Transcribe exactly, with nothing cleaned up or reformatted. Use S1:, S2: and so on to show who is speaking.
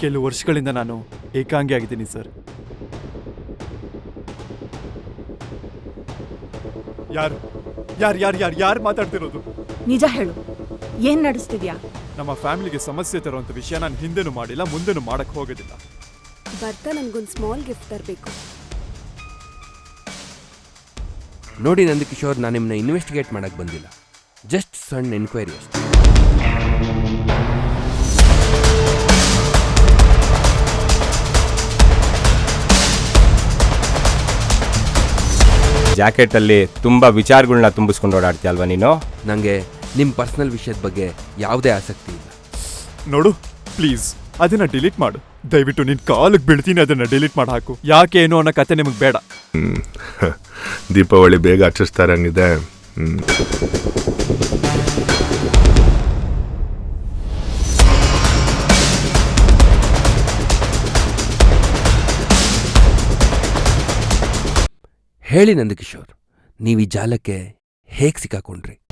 S1: ಕೆಲವು ವರ್ಷಗಳಿಂದ ನಾನು ಏಕಾಂಗಿ ಆಗಿದ್ದೀನಿ ಸರ್. ಯಾರು ಯಾರು ಯಾರು ಯಾರು ಯಾರು ಮಾತಾಡ್ತಿರೋದು?
S2: ನಿಜ ಹೇಳು, ಏನ್ ನಡೆಸ್ತಿದ್ಯಾ?
S1: ನಮ್ಮ ಫ್ಯಾಮಿಲಿಗೆ ಸಮಸ್ಯೆ ತರುವಂತ ವಿಷಯ ನಾನು ಹಿಂದೆನೂ ಮಾಡಿಲ್ಲ, ಮುಂದೆನೂ ಮಾಡಕ್ ಹೋಗೋದಿಲ್ಲ.
S3: ಬರ್ತಾ ನನ್ಗೊಂದು ಸ್ಮಾಲ್ ಗಿಫ್ಟ್ ತರಬೇಕು.
S4: ನೋಡಿ ನಂದಕಿಶೋರ್, ನಾನು ನಿಮ್ಮನ್ನ ಇನ್ವೆಸ್ಟಿಗೇಟ್ ಮಾಡಕ್ ಬಂದಿಲ್ಲ, ಜಸ್ಟ್ ಸಣ್ಣ ಎನ್ಕ್ವೈರಿ ಅಷ್ಟೇ.
S5: ಜಾಕೆಟಲ್ಲಿ ತುಂಬ ವಿಚಾರಗಳನ್ನ ತುಂಬಿಸ್ಕೊಂಡು ಓಡಾಡ್ತೀಯ ಅಲ್ವಾ ನೀನು?
S4: ನನಗೆ ನಿಮ್ಮ ಪರ್ಸನಲ್ ವಿಷಯದ ಬಗ್ಗೆ ಯಾವುದೇ ಆಸಕ್ತಿ ಇಲ್ಲ.
S1: ನೋಡು ಪ್ಲೀಸ್, ಅದನ್ನ ಡಿಲೀಟ್ ಮಾಡು ದಯವಿಟ್ಟು. ನಿನ್ ಕಾಲಿಗೆ ಬೀಳ್ತೀನಿ, ಅದನ್ನ ಡಿಲೀಟ್ ಮಾಡಿ ಹಾಕು. ಯಾಕೆ ಏನು ಅನ್ನೋ ಕತೆ ನಿಮಗೆ ಬೇಡ.
S6: ಹ್ಮ್ ದೀಪಾವಳಿ ಬೇಗ ಆಚರಿಸ್ತಾರಂಗಿದೆ. ಹ್ಮ್
S4: ಹೇಳಿ ನಂದಕಿಶೋರ್, ನೀವು ಈ ಜಾಲಕ್ಕೆ ಹೇಗೆ ಸಿಕ್ಕಾಕೊಂಡ್ರಿ?